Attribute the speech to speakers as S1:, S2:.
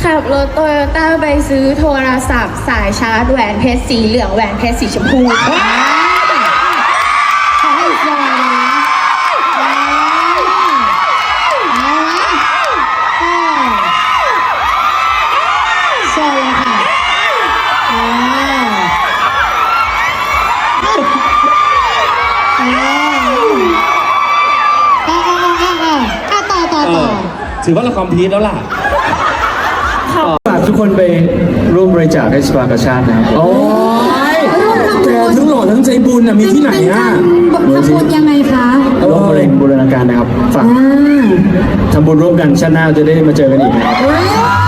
S1: ขับรถโตโยต้าไปซื้อโทรศัพท์สายชาร์จแหวนเพชรสีเหลืองแหวนเพชรสีชมพู
S2: ขอให้ฟอยนะโชว์เลยค่ะต่อ
S3: ถือว่าเราคอมพลีทแล้วล่ะ
S4: ฝากทุกคนไปร่วมบริจาคให้สภากาชาตินะครับโอ้ยแกทั้งหล่อทั้งใจบุญน่ะมีที่ไหนอ่ะ
S2: ทำบุญยังไงคะ
S4: โรคมะเร็งบูรณาการนะครับฝากทำบุญร่วมกันชาติหน้าจะได้มาเจอกันอีก